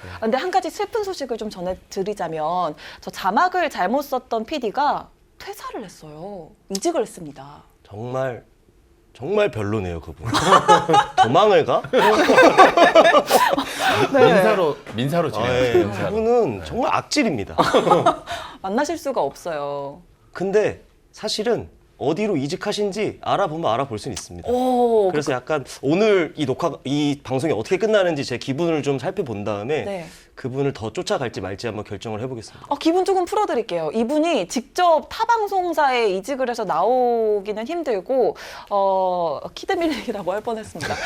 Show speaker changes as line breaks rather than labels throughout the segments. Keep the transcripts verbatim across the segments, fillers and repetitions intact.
근데 한 가지 슬픈 소식을 좀 전해드리자면 저 자막을 잘못 썼던 피디가 퇴사를 했어요. 이직을 했습니다.
정말 정말 별로네요, 그분. 도망을 가?
네.
민사로 민사로
아,
진행해요.
예.
민사로.
그분은 정말 악질입니다.
만나실 수가 없어요.
근데 사실은 어디로 이직하신지 알아보면 알아볼 수는 있습니다.
오,
그래서 약간 오늘 이 녹화, 이 방송이 어떻게 끝나는지 제 기분을 좀 살펴본 다음에
네.
그분을 더 쫓아갈지 말지 한번 결정을 해보겠습니다.
어, 기분 조금 풀어드릴게요. 이분이 직접 타 방송사에 이직을 해서 나오기는 힘들고 어, 키드밀링이라고 할 뻔했습니다.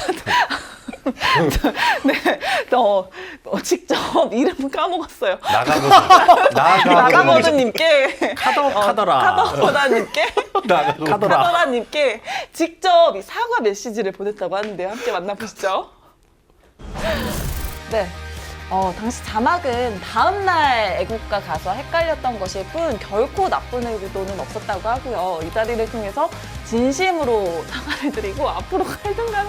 네, 어, 어, 직접 이름 까먹었어요.
나가보드.
나가버드님께
카더 카더라.
카더라님께
나가보드. 카더라.
카더라님께 직접 이 사과 메시지를 보냈다고 하는데요. 함께 만나보시죠. 네. 어, 당시 자막은 다음날 애국가 가수와 헷갈렸던 것일 뿐 결코 나쁜 의도는 없었다고 하고요. 이 자리를 통해서 진심으로 사과를 드리고 앞으로 갈등감을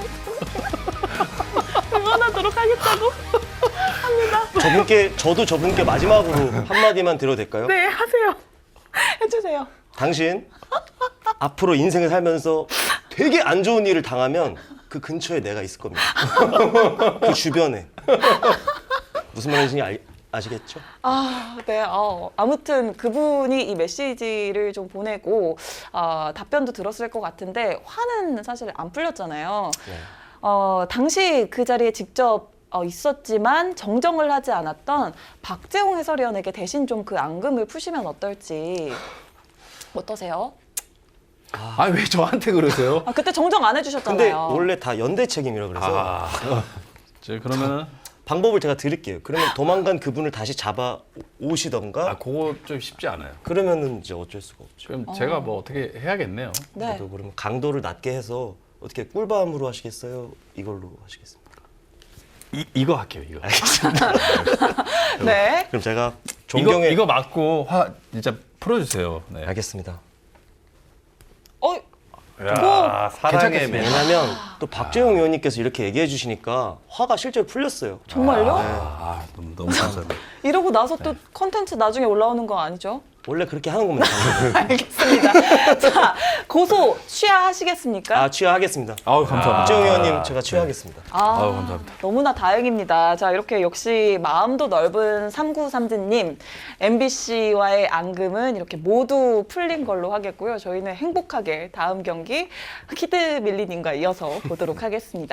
응원하도록 하겠다고 합니다.
저분께, 저도 저분께 마지막으로 한마디만 드려도 될까요?
네, 하세요. 해주세요.
당신 앞으로 인생을 살면서 되게 안 좋은 일을 당하면 그 근처에 내가 있을 겁니다. 그 주변에. 무슨 말인지 알, 아시겠죠?
아, 네. 어, 아무튼 그분이 이 메시지를 좀 보내고 어, 답변도 들었을 것 같은데 화는 사실 안 풀렸잖아요.
네.
어, 당시 그 자리에 직접 어, 있었지만 정정을 하지 않았던 박재홍 해설위원에게 대신 좀 그 앙금을 푸시면 어떨지. 어떠세요?
아 왜 저한테 그러세요?
아, 그때 정정 안
근데
해주셨잖아요.
원래 다 연대 책임이라 그래서
아, 저 그러면은
방법을 제가 드릴게요. 그러면 도망간 그분을 다시 잡아 오시던가
아 그거 좀 쉽지 않아요.
그러면은 이제 어쩔 수가 없죠.
그럼 제가 뭐 어떻게 해야겠네요.
네.
저도 그러면 강도를 낮게 해서 어떻게 꿀밤으로 하시겠어요? 이걸로 하시겠습니까?
이 이거 할게요. 이거.
네.
그럼 제가
이거
존경의
이거 맞고 화 진짜 풀어주세요. 네.
알겠습니다.
어,
야, 사랑의 괜찮겠습니다. 매.
왜냐면 또 박재용 의원님께서 이렇게 얘기해 주시니까 화가 실제로 풀렸어요.
정말요?
아 너무 너무 감사합니다.
이러고 나서 또 컨텐츠 나중에 올라오는 거 아니죠?
원래 그렇게 하는 겁니다.
알겠습니다. 자, 고소 취하하시겠습니까?
아 취하하겠습니다.
아우 감사합니다.
박재용 의원님 제가 취하하겠습니다.
아,
아유, 감사합니다.
너무나 다행입니다. 자, 이렇게 역시 마음도 넓은 삼구삼지님, 엠비씨와의 앙금은 이렇게 모두 풀린 걸로 하겠고요. 저희는 행복하게 다음 경기 키드밀리님과 이어서 보도록 하겠습니다.